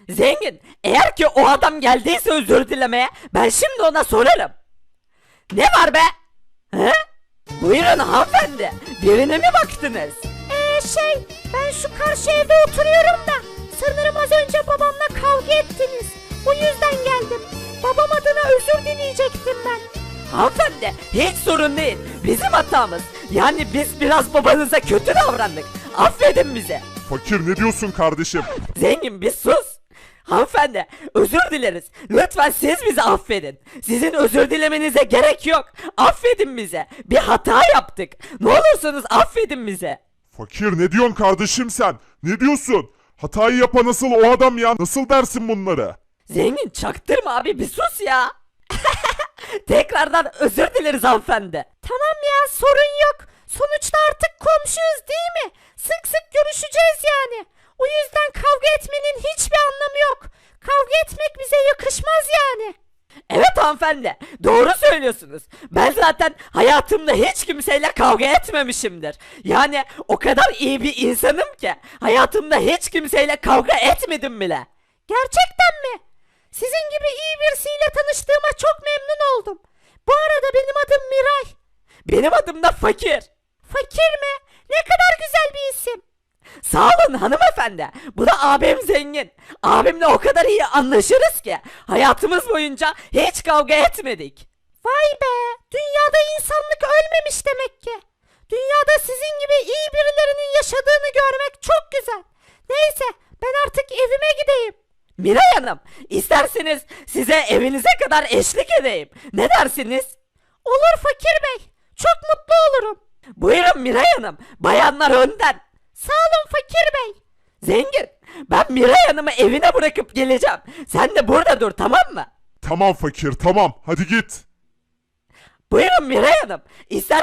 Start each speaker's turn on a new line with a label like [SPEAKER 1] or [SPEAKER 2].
[SPEAKER 1] Zengin, eğer ki o adam geldiyse özür dilemeye ben şimdi ona sorarım. Ne var be? He? Buyurun hanımefendi. Birine mi baktınız?
[SPEAKER 2] Ben şu karşı evde oturuyorum da sanırım az önce babamla kavga ettiniz. Bu yüzden geldim. Babam adına özür dileyecektim ben.
[SPEAKER 1] Hanımefendi hiç sorun değil. Bizim hatamız. Yani biz biraz babanıza kötü davrandık. Affedin bizi.
[SPEAKER 3] Fakir ne diyorsun kardeşim?
[SPEAKER 1] Zengin bir sus. Hanımefendi özür dileriz. Lütfen siz bizi affedin. Sizin özür dilemenize gerek yok. Affedin bize. Bir hata yaptık. Ne olursunuz affedin bize.
[SPEAKER 3] Fakir ne diyorsun kardeşim sen? Ne diyorsun? Hatayı yapan nasıl o adam ya? Nasıl dersin bunları?
[SPEAKER 1] Zengin çaktırma abi bir sus ya. Tekrardan özür dileriz hanımefendi.
[SPEAKER 2] Tamam ya, sorun yok. Sonuçta artık komşuyuz değil mi? Sık sık görüşeceğiz yani. O yüzden kavga etmenin hiçbir anlamı yok. Kavga etmek bize yakışmaz yani.
[SPEAKER 1] Evet hanımefendi doğru söylüyorsunuz. Ben zaten hayatımda hiç kimseyle kavga etmemişimdir. Yani o kadar iyi bir insanım ki hayatımda hiç kimseyle kavga etmedim bile.
[SPEAKER 2] Gerçekten mi? Sizin gibi iyi birisiyle tanıştığıma çok memnun oldum. Bu arada benim adım Miray.
[SPEAKER 1] Benim adım da Fakir.
[SPEAKER 2] Fakir mi? Ne kadar güzel bir isim.
[SPEAKER 1] Sağ olun hanımefendi. Bu da abim Zengin. Abimle o kadar iyi anlaşırız ki hayatımız boyunca hiç kavga etmedik.
[SPEAKER 2] Vay be! Dünyada insanlık ölmemiş demek ki. Dünyada sizin gibi iyi birilerinin yaşadığını görmek çok güzel. Neyse, ben artık evime gideyim.
[SPEAKER 1] Miray Hanım, isterseniz size evinize kadar eşlik edeyim. Ne dersiniz?
[SPEAKER 2] Olur Fakir Bey. Çok mutlu olurum.
[SPEAKER 1] Buyurun Miray Hanım, bayanlar önden.
[SPEAKER 2] Sağ olun Fakir Bey.
[SPEAKER 1] Zengin, ben Miray Hanım'ı evine bırakıp geleceğim. Sen de burada dur, tamam mı?
[SPEAKER 3] Tamam fakir tamam hadi git.
[SPEAKER 1] Buyurun Miray Hanım,